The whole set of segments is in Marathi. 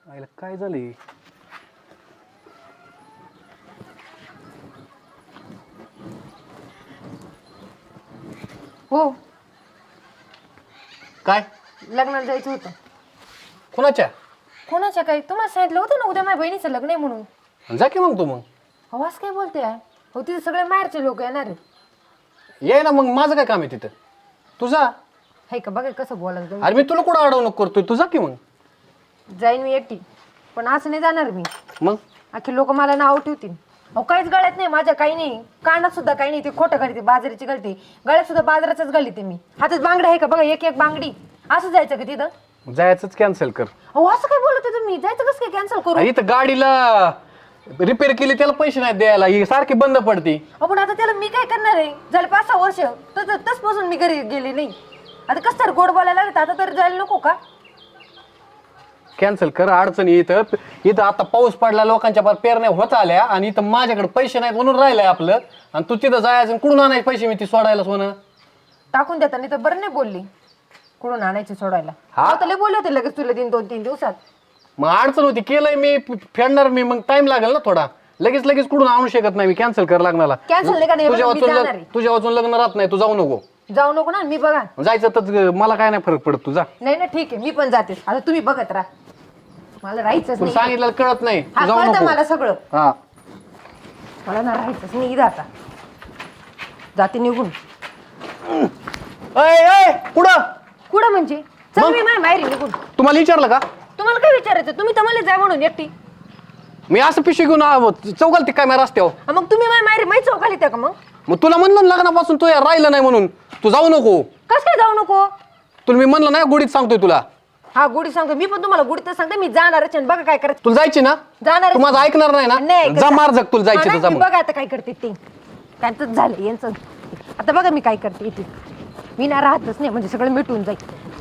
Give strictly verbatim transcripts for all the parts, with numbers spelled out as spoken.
आईला काय झालंय? हो, काय लग्नाला जायचं होतं. कुणाच्या? कोणाच्या काय? तुम्हाला सांगितलं होतं ना उद्या माझ्या बहिणीचं लग्न आहे म्हणून. जा की मग तू. मग अहो असं काय बोलते आहे? हो तिथे सगळे माहेरचे लोक येणार आहेत. ये ना. मग माझं काय काम आहे तिथं? तुझा. हाय का बघा कसं बोलायचं तुम्ही. अरे मी तुला कुठं अडवणूक करतोय? तुझा की मग. जाईन मी एकटी, पण असं नाही जाणार मी. मग अख्खे लोक मला नाव ठेवतील. अहो काहीच गळ्यात नाही माझ्या, काही नाही कानात सुद्धा काही नाही. ते खोटं घालते, बाजाराची घालते. गळ्यात सुद्धा बाजाराचंच घालते मी. हातात बांगड्या आहे का बघा, एक एक बांगडी. असं जायचं का तिथं? जायचंच कॅन्सल कर. अहो असं काय बोलत तुम्ही? जायचं कसं काय कॅन्सल करू? इथं गाडीला रिपेअर केली त्याला पैसे नाही द्यायला, ही सारखी बंद पडती. अहो पण आता त्याला मी काय करणार आहे? झाले पाच सहा वर्ष तर तसपासून मी घरी गेले नाही. आता कसं तर गोड बोलायला लागत, आता तर जायला नको का? कॅन्सल कर. अडचणी इथं इथं आता पाऊस पडला, लोकांच्या पार पेरण्या होत आल्या आणि इथं माझ्याकडे पैसे नाहीत म्हणून राहिलंय आपलं. आणि तू तिथं जायचं आणि कुठून आणायचे पैसे मी ती सोडायला सोनं? टाकून देता नाही तर बरं नाही बोलली. कुठून आणायचे सोडायला? हा? आता लय बोलले होते लगेच तुला दिन दोन तीन दिवसात. मग अडचण होती, केलंय मी, फेडणार मी, मग टाइम लागेल ना थोडा. लगेच लगेच कुठून आणू शकत नाही मी. कॅन्सल कर लागणार. कॅन्सल नाही का? नाही तुझ्या बरं, मी वाचून जाणार आहे. तुझ्या वाचून लग्न राहत नाही, तू जाऊ नको. जाऊ नको ना, मी बघा. जायचं तर मला काय नाही फरक पडत, तुझा. नाही ना ठीक आहे, मी पण जाते. आता तुम्ही बघत राहा, मला राहायचंच तुला नाही. सांगितलं कळत नाही, हा, तू जाऊ कळतं नको. मला सगळं. हा मला ना राहायचंच नाही इथं. आता जाते निघून. अय अय पुढं. कुठं म्हणजे? चल मग? मी माझ्या बाहेर निघून. तुम्हाला विचारलं का? तुम्हाला काय विचारायचं? तुम्ही तर मला जाय म्हणून एकटी. मी असं पिशवी घेऊन चौकाल ती काय माझ्या रस्त्यावर. हा, मग तुम्ही माझ्या माहेरी माहीत चौकाली त्या का? मग मग तुला म्हणलं ना लग्नापासून तू या राहिलं नाही म्हणून, तू जाऊ नको. कसं काय जाऊ नको? तुला मी म्हणलं नाही, गुढीत सांगतोय तुला. हा गुढी सांगतो मी, पण तुम्हाला गुढी तर सांगते मी जाणारच आहे. बघा काय करायचं. तुला जायची ना? जाणार तू माझं ऐकणार नाही ना? जा मार जग, तुला जायची तर जा मग. बघा आता काय करते ते. त्यांचं झालं यांचं. आता बघा मी काय करते इथे. मी ना राहतच नाही, म्हणजे सगळं मिटून जाईल.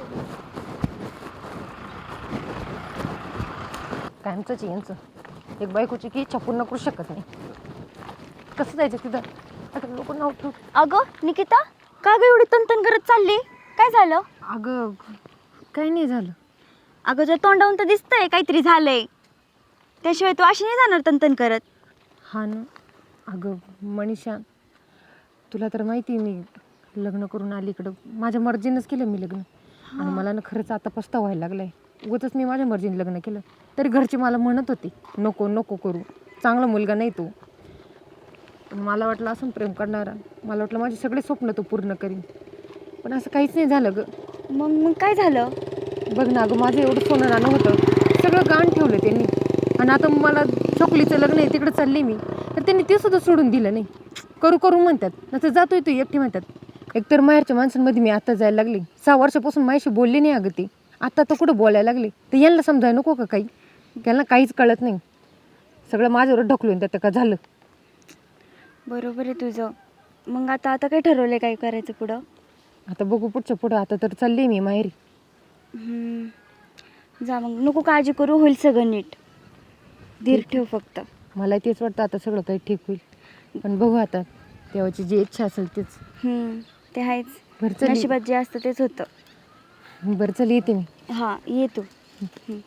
कायमचंच आहे यांचं. एक बायकोची की इच्छा पूर्ण करू शकत नाही. कसं जायचं तिथं? आता लोक नाव ठेवू. अगं निकिता, का ग एवढी तनतन करत चालली? काय झालं? अगं काही नाही झालं. अगं जर तोंडावून तर दिसतंय काहीतरी झालंय. त्याशिवाय तू अशी नाही जाणार तनतन करत. हा ना. अगं मनीषा, तुला तर माहिती मी लग्न करून आली इकडं. माझ्या मर्जीनंच केलं मी लग्न. आणि मला ना खरंच आता पस्तावा व्हायला लागलाय. उगाचच मी माझ्या मर्जीने लग्न केलं. तरी घरचे मला म्हणत होते नको नको करू, चांगला मुलगा नाही तो. पण मला वाटलं असं प्रेम करणारा, मला वाटलं माझे सगळे स्वप्न तो पूर्ण करीन. पण असं काहीच नाही झालं ग. मग मग काय झालं? बघ ना अगं, माझं एवढं सोनं नाणं होतं, सगळं गाण ठेवलं त्यांनी. आणि आता मला छोकलीचं लग्न आहे तिकडे चालले मी, तर त्यांनी ते सुद्धा सोडून दिलं नाही. करू करू म्हणतात, नंतर जातोय तू एकटी म्हणतात. एकतर माहेरच्या माणसांमध्ये मी आता जायला लागली. सहा वर्षापासून माझ्याशी बोलले नाही अगं ते. आता तर कुठं बोलायला लागले. तर यांना समजायला नको का काही? त्यांना काहीच कळत नाही. सगळं माझ्यावर ढकलून त्यात का झालं. बरोबर आहे तुझं. मग आता आता काय ठरवलंय काय करायचं पुढं? आता बघू पुढच्या पुढं. आता तर चालली मी माहेरी. हम्म. जा मग, नको काळजी करू, होईल सगळं नीट. धीर ठेव फक्त. मला तेच वाटतं आता सगळं काही ठीक होईल. पण बघू आता, देवाची जी इच्छा असेल तेच. हम्म, ते आहेच. बरं चल. नशिबात जे असतं तेच होतं. बरं चल येते मी. हां ये तू. हम्म.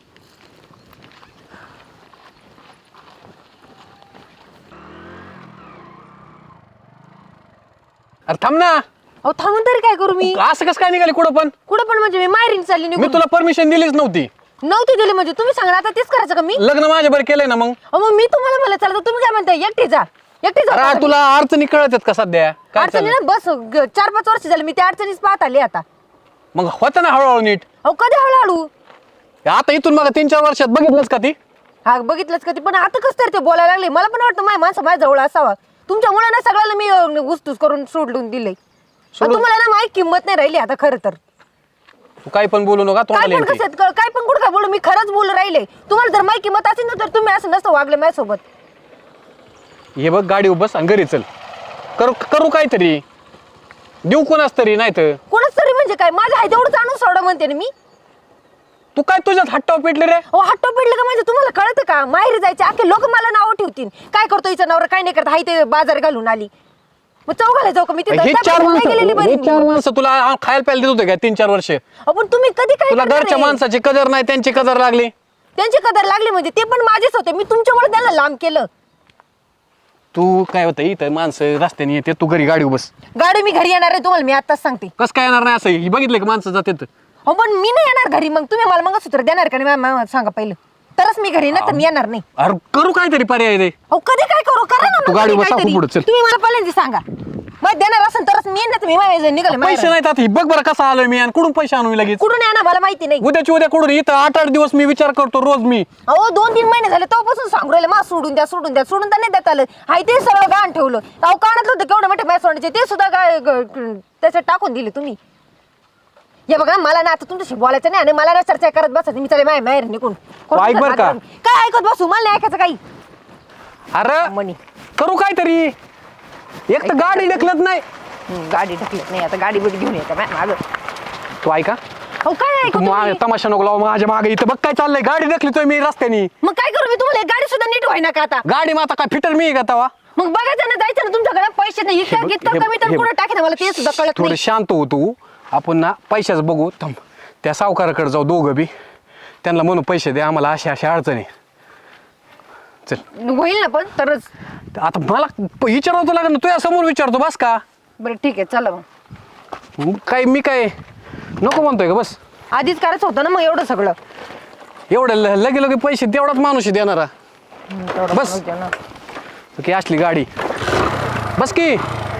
अरे थांब ना. अहो थांबून तरी काय करू मी? असं कसं काय निघाली कुठं पण? कुठं पण म्हणजे? मी माहेरीने चालली मी निघून. तुला परमिशन दिलीच नव्हती. नव्हती दिली म्हणजे? तुम्ही सांगा आता तेच करायचं का मी? लग्न माझ्या बरं केलंय ना मग. अहो मग मी तुम्हाला म्हणलं चला, तर तुम्ही काय म्हणताय? एकटी जा, एकटी जा. अरे तुला अडचणी कळत आहेत का सध्या? काय अडचणी चाललंय? ना बस ग- चार पाच वर्ष झाली मी त्या अडचणीच पाहत आली आता. मग होतं ना हळूहळू नीट. अहो कधी हळूहळू? आता इथून मग तीन चार वर्षात बघितलंच का ती? हा बघितलंच कधी. पण आता कसं तरी ते बोलायला लागले. मला पण वाटतं माझ्या माणसं माझ्या जवळ असावा. तुमच्यामुळे ना सगळ्याला मी अं, घुसतूस करून सोडून दिलंय. सोडून- तुम्हाला ना माझी किंमत नाही राहिली आता खरं तर. तू काही पण बोलू नका काय तोंडाला पण येईल कसं क- काय पण कुठं काय बोलू? मी खरंच बोलू राहिले. तुम्हाला जर माझी किंमत असेल ना तर तुम्ही असं नसतं वागले माझ्यासोबत. ती. हे बघ गाडी बस आणि घरी चल. करू करू काहीतरी देऊ कोणाच तरी, नाही तर कोणाच तरी म्हणजे काय? माझं आहे तेवढंच आणून सोडा म्हणते ना मी. तू काय तुझ्यात हट्टाव पेटले रे? अहो हट्टो पिडलं का म्हणजे? तुम्हाला कळतं का? माहेरी जायचे अख्खे लोक मला नावं ठेवतील. काय करतो हिचा नवरा, काय नाही करत, हाय ते बाजार घालून आली. मग चौघाला जाऊ का मी? तिथं हे चार नाही माणसं गेलेली बरी हे मी. चार माणसं तुला खायला प्यायला देत होते का तीन चार वर्ष? अहो, पण तुम्ही कधी काय तुला करणार घरच्या आहे? माणसाची कदर नाही, त्यांची कदर लागली. त्यांची कदर लागली म्हणजे ते पण माझेच होते, मी तुमच्यामुळे त्यांना लांब केलं. तू काय होतं इथं माणसं रस्त्याने येते, तू घरी गाडी बस. गाडी मी घरी येणार आहे तुम्हाला मी आताच सांगते. कसं काय येणार नाही असं? ही बघितलं की माणसं जातात. हो पण मी नाही येणार घरी, मग तुम्ही मला मंगळसूत्र देणार का नाही मला सांगा पहिलं, तरच मी घरी ना तर मी येणार नाही. अरे करू काहीतरी पर्याय रे. अहो कधी काय करू करा ना तू मग गाडी कधी बसा, काहीतरी. पुढं चल. तुम्ही मला पहिल्यांदा सांगा, मग देणार असेल तरच मी येणार, मी माझ्या निघाले पैसे नाहीत आता. ही बघ बरं कसा आलोय मी आणि कुठून पैसे आणू लगेच? कुठून येणार मला माहिती नाही. उद्याची उद्या कुठून? इथं आठ आठ दिवस मी विचार करतो रोज मी. अहो दोन तीन महिने झाले तेव्हापासून सांगू राहिले मा सोडून द्या सोडून द्या, सोडून तर नाही देत आलं. हाय ते सगळं गाण ठेवलं. अहो कानातलं होतं केवढं मोठे मॅच सोडायचे ते सुद्धा काय ग- ग- त्याच्यात टाकून दिले तुम्ही. हे बघा मला ना आता तुमच्याशी बोलायचं नाही आणि मला ना चर्चा करत बसायचं. मी चालेल माझ्या माहेर निघून. ऐक बरं का? काय ऐकत बसू, मला नाही ऐकायचं काही. अरे म्हणी करू काहीतरी. एक तर गाडी ढकलत नाही. हम्म, गाडी ढकलत नाही आता, गाडी बिडी घेऊन येते मागं. तू ऐका, अहो काय ऐकू तू मा- तुम्ही? तमाशा नको लावू माझ्या मागे. इथं बघ काय चाललंय, गाडी ढकलतोय मी रस्त्यानी. मग काय करू मी, तुम्हाला एक गाडी सुद्धा नीट व्हायना का आता? गाडी मग आता काय फिटर मी का तवा? मग बघायचं ना, जायचं ना, तुमच्याकडे पैसे नाही. इतकं बघ, इतकं हे- कमी तर हे- कुठं टाकेन मला ते सुद्धा कळत थोडं नाही. शांत हो तू. आपण ना पैशाच बघू. थांब, त्या सावकाराकडे जाऊ दोघं बी. त्यांना म्हणू पैसे दे आम्हाला, अशा अशा अडचणी. चल होईल ना पण तरच. आता मला प- विचारावं तर लागेल ना. तुझ्या समोर विचारतो बस का? बरं ठीक आहे चला मग. मग काय मी काय नको म्हणतोय का? बस आधीच करायचं होतं ना मग एवढं सगळं. एवढं ल- लगे लगे पैसे तेवढाच माणूस आहे देणारा. हम्म, तेवढं बस. पण होतं ना. की असली गाडी बस की.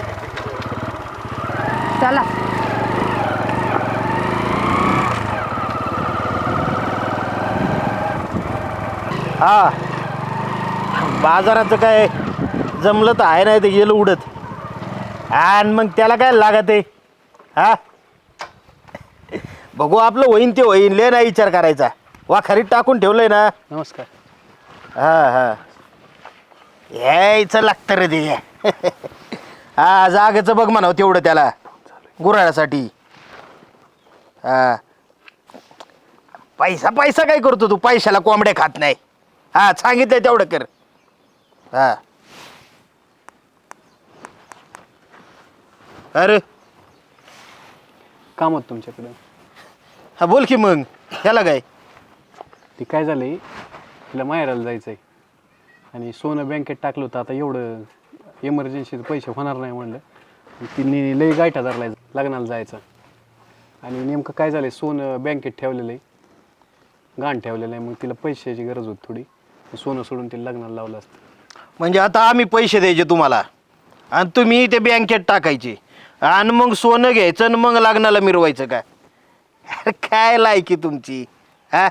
चला हा बाजाराचं काय जमलं तर आहे नाही ते गेलं उडत. आणि मग त्याला काय लागत आहे? हा बघू आपलं होईन ते होईन, ले नाही विचार करायचा. वा खरीत टाकून ठेवलंय ना. नमस्कार. हा हा यायचं लागतं रे ते. हा जागेचं बघ म्हणावं तेवढं त्याला गुराळ्यासाठी. हा पैसा पैसा काय करतो तू? पैशाला कोंबड्या खात नाही. हा सांगितलंय तेवढं कर. हा अरे काम होतं तुमच्याकडे. हा बोल की मग. त्याला काय? ती काय झालंय, तिला माहेराला जायचंय आणि सोनं बँकेत टाकलं होतं. आता एवढं इमर्जन्सीचे पैसे होणार नाही म्हणलं. तिने लई गायठा धरलाय लग्नाला जायचं. आणि नेमकं काय झालंय, सोनं बँकेत ठेवलेलं आहे, गाण ठेवलेलं आहे. मग तिला पैशाची गरज होती थोडी. सोनं सोडून तिला लग्नाला लावलं असतं. म्हणजे आता आम्ही पैसे द्यायचे तुम्हाला आणि तुम्ही ते बँकेत टाकायचे आणि मग सोनं घ्यायचं आणि मग लग्नाला मिरवायचं का? अरे काय लायकी तुमची? हा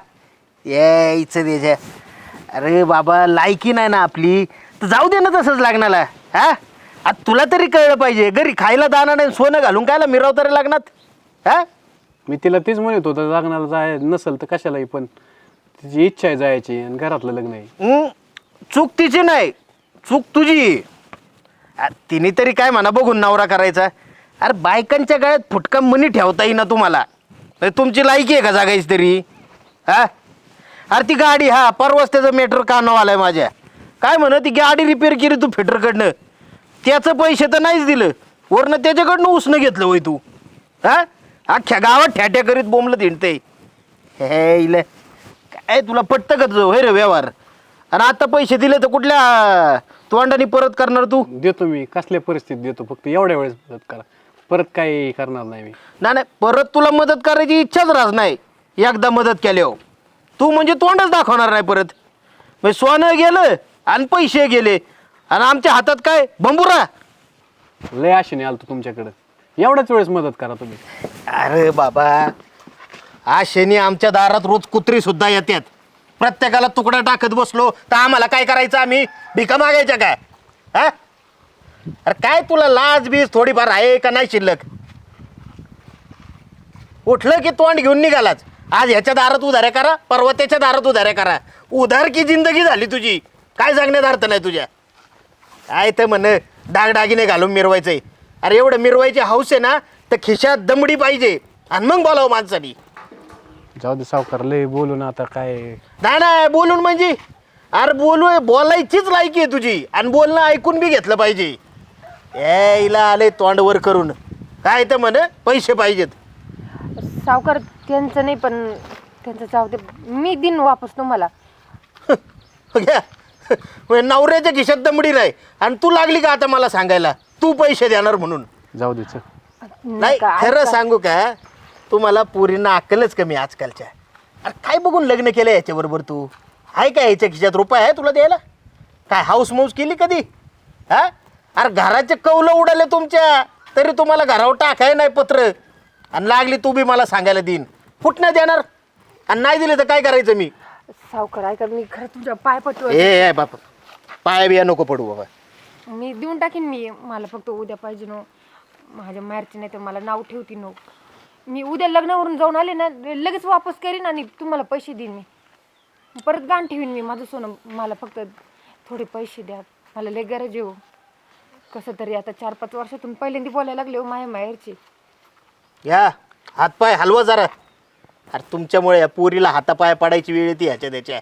यायचं द्यायच्या. अरे बाबा लायकी नाही ना आपली तर जाऊ दे ना तसंच लग्नाला. हा आता तुला तरी कळलं पाहिजे, घरी खायला दाना नाही सोनं घालून कायला मिरवतं रे लग्नात? हा मी तिला तेच म्हणत होतं, लग्नाला जाय नसेल तर कशालाही, पण तिची इच्छा आहे जायची आणि घरातलं लग्न आहे. हं? चूक तिची नाही, चूक तुझी. आ, तिने तरी काय म्हणा बघून नवरा करायचा. अरे बायकांच्या गळ्यात फुटका मनी ठेवता येईना तुम्हाला. म्हणजे तुमची लायकी आहे का जागायची तरी? हा अरे ती गाडी, हा परवाच त्याचं मेटर कानावर आलाय माझ्या. काय म्हण ती गाडी रिपेअर केली तू फिटरकडनं, त्याचं पैसे तर नाहीच दिलं, वरनं त्याच्याकडनं उसनं घेतलं होय तू. हा अख्ख्या गावात ठ्याट्या करीत बोंबलं हिंडते. हे इले काय तुला पटतं का तुझं होय रे व्यवहार? आणि आता पैसे दिले तर कुठल्या तोंडाने परत करणार तू? देतो मी, कसल्या परिस्थितीत देतो, फक्त एवढ्या वेळेस मदत करा, परत काही करणार नाही मी. नाही नाही परत तुला मदत करायची इच्छाच राहत नाही. एकदा मदत केल्यावर तू म्हणजे तोंडच दाखवणार नाही परत. म्हणजे सोनं गेलं आणि पैसे गेले आणि आमच्या हातात काय बंबुरा. लय आशेने आलतो तुमच्याकडं, एवढ्याच वेळेस मदत करा तुम्ही. अरे बाबा आज शनी आमच्या दारात रोज कुत्री सुद्धा येतात. प्रत्येकाला तुकडा टाकत बसलो तर आम्हाला काय करायचं? आम्ही भिका मागायच्या काय? हा अरे काय तुला लाज बीज थोडीफार आहे का नाही शिल्लक? उठलं की तोंड घेऊन निघालाच. आज ह्याच्या दारात उधाऱ्या करा, परवा त्याच्या दारात उधाऱ्या करा. उधार की जिंदगी झाली तुझी. काय सांगण्यात अर्थ नाही तुझ्या. काय तर म्हण डागडागिने घालून मिरवायचंय. अरे एवढं मिरवायची हौस आहे ना तर खिशात दमडी पाहिजे आणि मग बोलावं माणसानी. जाऊ दे सावकार, लय बोलून आता काय. नाही नाही बोलून म्हणजे अरे बोलू बोलायचीच लायकी आहे तुझी आणि बोलणं ऐकून बी घेतलं पाहिजे. ए इला आले तोंडवर करून काय तर म्हण पैसे पाहिजेत. सावकार त्यांचं नाही पण त्यांचं जाऊ दे, मी दिन वापस तुम्हाला. घ्या म्हणजे नवऱ्याच्या खिशात दमडी नाही आणि तू लागली का आता मला सांगायला तू पैसे देणार म्हणून. जाऊ दे चल. नाही नका, खरं ऐका. सांगू का तुम्हाला पोरींना अक्कलच कमी आजकालच्या. अरे काय बघून लग्न केलं याच्याबरोबर तू? आहे का याच्या खिशात रुपये आहे तुला द्यायला? काय हाऊस मौस केली कधी? हा अरे घराचे कौलं उडाले तुमच्या तरी तुम्हाला घरावर टाकाय नाही पत्र आणि लागली तू बी मला सांगायला देईन. फुट नाही देणार आणि नाही दिले तर काय करायचं मी? सावकार ऐका, मी खरं तुमच्या पाय पटू. ए ए बापा पाया बिया नको पडू बाबा. मी देऊन टाकीन. मी मला फक्त उद्या पाहिजे नो. माझ्या माहेरची नाही तर मला नाव ठेवती नो. मी उद्या लग्नावरून जाऊन आले ना लगेच वापस करीन आणि तुम्हाला पैसे देईन. मी परत गाण ठेवीन मी माझं सोनं. मला फक्त थोडे पैसे द्या, मला लय गरज येऊ. कसं तरी आता चार पाच वर्षातून पहिल्यांदा बोलायला लागले हो माझ्या माहेरची. या हातपाय हलवा जरा. अरे तुमच्यामुळे या पोरीला हातापाय पडायची वेळ येते ह्याच्या त्याच्या.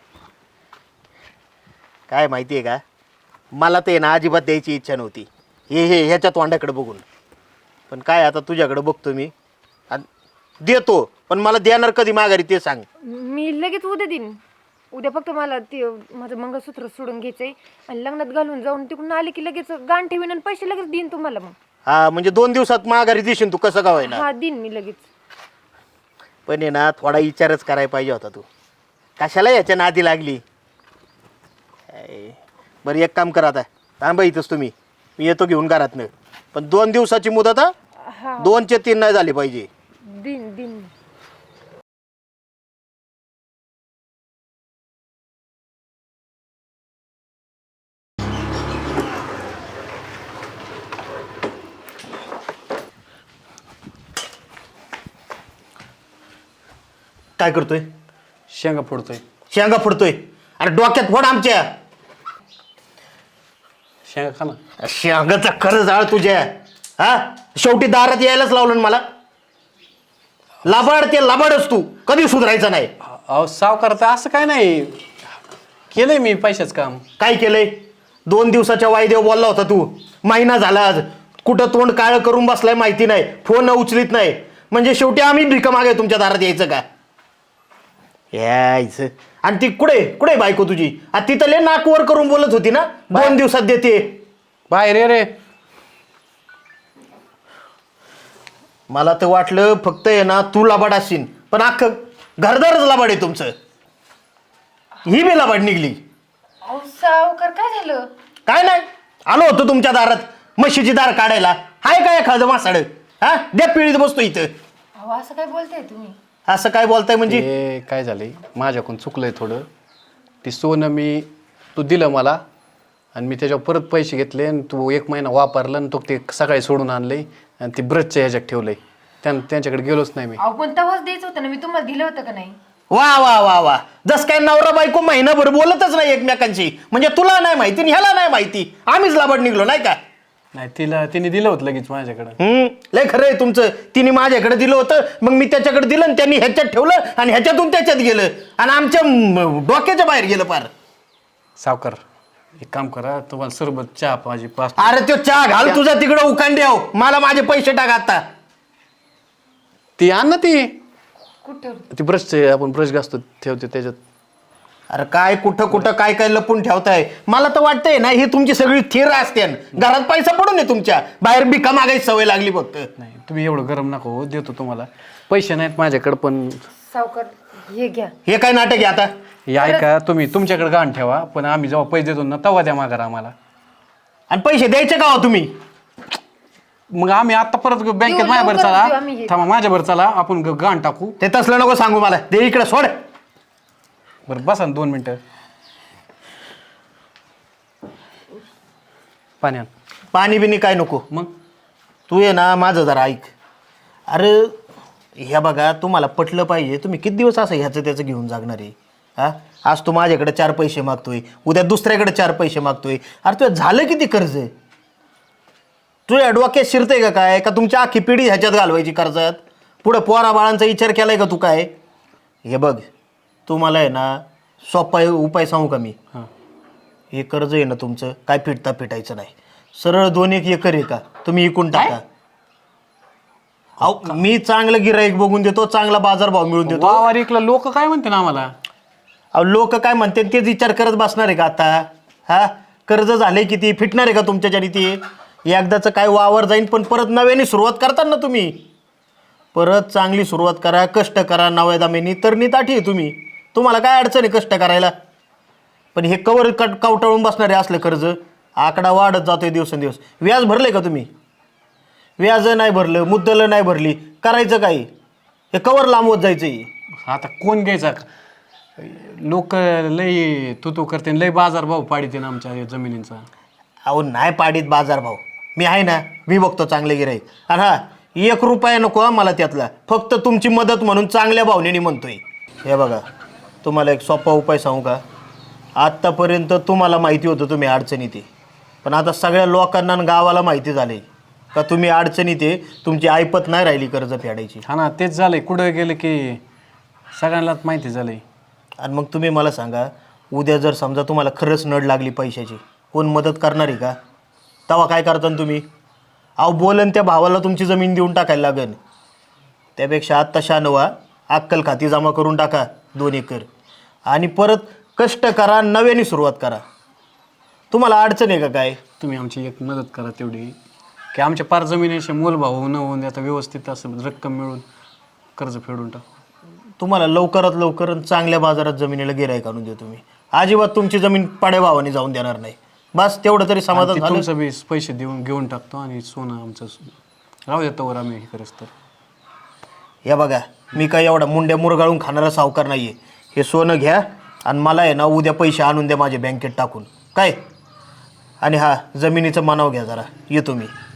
काय माहिती आहे का मला ते ना अजिबात द्यायची इच्छा नव्हती हे हे ह्याच्या तोंडाकडे बघून. पण काय आता तुझ्याकडे बघतो मी आणि देतो. पण मला देणार कधी माघारी ते सांग. मी लगेच उद्या देईन. उद्या फक्त मला ते माझं मंगळसूत्र सोडून घ्यायचंय आणि लग्नात घालून जाऊन तिकडून आले की लगेच गाण ठेवीन आणि पैसे लगेच देईन तुम्हाला. मग हा म्हणजे दोन दिवसात माघारी देशील तू कसं का होईना. हा देईन मी लगेच. पण आहे ना थोडा विचारच करायला पाहिजे होता तू. कशाला याच्या नादी लागली? काय. बरं एक काम करा आता थांबा इथंच तुम्ही. मी येतो घेऊन घरातनं. पण दोन दिवसाची मुदत हा हा दोनचे तीन नाही झाली पाहिजे. दिन दिन काय करतोय? शेंगा फोडतोय. शेंगा फुडतोय? अरे डोक्यात फोड आमच्या. शेंगा खा ना. शेंगाचा खरं जाळ तुझ्या. हा शेवटी दारात यायलाच लावलं ना मला. लाबाड ते लाबाडच तू कधी सुधारायचं नाही. अहो सावकार तर असं काय नाही केलंय मी पैशाचं काम. काय केलंय? दोन दिवसाच्या वायदेव बोलला होता तू. महिना झाला आज कुठं तोंड काळं करून बसलाय माहिती नाही. फोन उचलीत नाही. म्हणजे शेवटी आम्ही भिका मागे तुमच्या दारात यायचं का? यायचं. आणि ती कुठे कुठे बायको तुझी? आ तिथं लय नाक वर करून बोलत होती ना दोन दिवसात देते. बाहेर ये रे. मला तर वाटलं फक्त आहे ना तू लाबाड असशील पण अख्खं घरदारच लाबाड आहे तुमचं. ही बी लाबाड निघली. अहो सावकार काय झालं? काय नाही आलो होतो तुमच्या दारात म्हशीची दार काढायला. हाय काय एखादं मासाड? हा द्या पिळीत बसतो इथं. अहो असं काय बोलताय तुम्ही? असं काय बोलताय म्हणजे? हे काय झालंय माझ्याकडून चुकलंय थोडं. ती सोनं मी तू दिलं मला आणि मी त्याच्यावर परत पैसे घेतले आणि तू एक महिना वापरला आणि तो ते सकाळी सोडून आणले आणि ती ब्रशच्या ह्याच्यात ठेवलंय. त्यां त्यांच्याकडे गेलोच नाही मी. अहो पण तेव्हाच द्यायचं होतं ना. मी तुम्हाला दिलं होतं का नाही? वा वा वा वा जस काय नवरा बायको महिनाभर बोलतच नाही एकमेकांशी. म्हणजे तुला नाही माहिती आणि ह्याला नाही माहिती. आम्हीच लाबाड निघलो नाही का? नाही तिला तिने दिलं होतं लगेच माझ्याकडं. हम्म लय खरं आहे तुमचं. तिने माझ्याकडे दिलं होतं मग मी त्याच्याकडे दिलं आणि त्यांनी ह्याच्यात ठेवलं आणि ह्याच्यातून त्याच्यात गेलं आणि आमच्या म, डोक्याच्या बाहेर गेलं पार. सावकार एक काम करा तुम्हाला सरबत चहा पाहिजे पाच. अरे तो चहा घाल तुझा तिकडं उकांड्याव. मला माझे पैसे टाक आता. ती आण ना ती कुठं? ती ब्रशचे आपण ब्रश घासतो ठेवते त्याच्यात. अरे काय कुठं कुठं काय काय लपून ठेवताय? मला तर वाटतंय ना ही तुमची सगळी थिर असते. घरात पैसा पडून नये तुमच्या. बाहेर भिका मागायची सवय लागली फक्त. नाही तुम्ही एवढं गरम नका हो. देतो तुम्हाला. पैसे नाहीत माझ्याकडे पण सावकार हे घ्या. हे काय नाटक आहे आता? हे ऐका तुम्ही तुमच्याकडे गाण ठेवा पण आम्ही जेव्हा पैसे देतो ना तेव्हा द्या माघार आम्हाला. आणि पैसे द्यायचे का हो तुम्ही? मग आम्ही आता परत बँकेत देऊ, माझ्यावर लवकर चला. देऊ आम्ही हे. थांबा माझ्यावर चला आपण ग- गाण टाकू. ते तसलं नको सांगू मला. दे इकडे सोड. बरं बसा ना दोन मिनटं. पाण्यात पाणी बिनी काय नको. मग तू ये ना माझं जरा ऐक. अरे ह्या बघा तुम्हाला पटलं पाहिजे. तुम्ही किती दिवस असं ह्याचं त्याचं घेऊन जागणार आहे? हा आज तू माझ्याकडे चार पैसे मागतोय उद्या दुसऱ्याकडे चार पैसे मागतोय. अरे तुझं झालं किती कर्ज? तुझ्या डोक्यात शिरतंय का काय? का तुमच्या आखी पिढी ह्याच्यात घालवायची कर्जात? पुढं पोरा बाळांचा विचार केलाय का तू काय? हे बघ तू मला आहे ना सोपा उपाय सांगू का मी? हां हे कर्ज आहे ना तुमचं काय फिटता फिटायचं नाही. सरळ दोन एक एकर आहे का तुम्ही इकून टाका. अहो मी चांगलं गिराईक बघून देतो, चांगला बाजारभाव मिळून देतो. वावर इकला लोक काय म्हणते ना आम्हाला? अहो लोक काय म्हणते तेच विचार करत बसणार आहे का आता? हा कर्ज झाले किती, फिटणार आहे का तुमच्याच्यानी ती? एकदाचं काय वावर जाईन, पण परत नव्याने सुरुवात करता ना तुम्ही. परत चांगली सुरुवात करा, कष्ट करा नव्या दामेनी, तर निताठी आहे तुम्ही. तुम्हाला काय अडचण आहे कष्ट करायला? पण हे कवर कट कावटाळून बसणारे असलं कर्ज, आकडा वाढत जातोय दिवसेंदिवस. व्याज भरले का तुम्ही? व्याज नाही भरलं, मुद्दल नाही भरली, करायचं काय? हे कवर लांबवत जायचं. आता कोण घ्यायचा? लोक लय तू तू करते, लय बाजार भाव पाडीते ना आमच्या या जमिनींचा. अहो नाही पाडीत बाजारभाव, मी आहे ना, मी बघतो चांगले गिराईक. आणि हा एक रुपया नको हा मला त्यातला, फक्त तुमची मदत म्हणून चांगल्या भावनेने म्हणतोय. हे बघा तुम्हाला एक सोपा उपाय सांगू का? आत्तापर्यंत तुम्हाला माहिती होतं तुम्ही अडचणीत आहे, पण आता सगळ्या लोकांना आणि गावाला माहिती झाले का तुम्ही अडचणीत आहे. तुमची ऐपत नाही राहिली कर्ज फेडायची. हा ना, तेच झालंय. कुठं गेलं की सगळ्यांनाच माहिती झालंय. आणि मग तुम्ही मला सांगा, उद्या जर समजा तुम्हाला खरंच नड लागली पैशाची, कोण मदत करणार आहे का? तेव्हा काय करता तुम्ही? अहो बोलन त्या भावाला तुमची जमीन देऊन टाकायला लागेल. त्यापेक्षा आत्ता शानवा, अक्कल खाती जमा करून टाका दोन एकर, आणि परत कष्ट करा, नव्याने सुरुवात करा. तुम्हाला अडचण आहे का काय? तुम्ही आमची एक मदत करा तेवढी, की आमच्या पार जमिनीचे मोलभाव न होऊन आता व्यवस्थित असं रक्कम मिळून कर्ज फेडून टाकू. तुम्हाला लवकरात लवकर चांगल्या बाजारात जमिनीला गिराईक आणून देतो मी. अजिबात तुमची जमीन पाड्या भावाने जाऊन देणार नाही. बस तेवढं तरी समाधान आणि ते झालं. तुमचं बी पैसे देऊन घेऊन टाकतो आणि सोनं आमचं राहू देतो वर आम्ही हे करत. तर या बघा, मी काय एवढा मुंड्या मुरगाळून खाणारा सावकार नाही आहे. हे सोनं घ्या आणि मला आहे ना उद्या पैसे आणून द्या माझ्या बँकेत टाकून काय. आणि हा जमिनीचं मानाव घ्या जरा, येतो मी.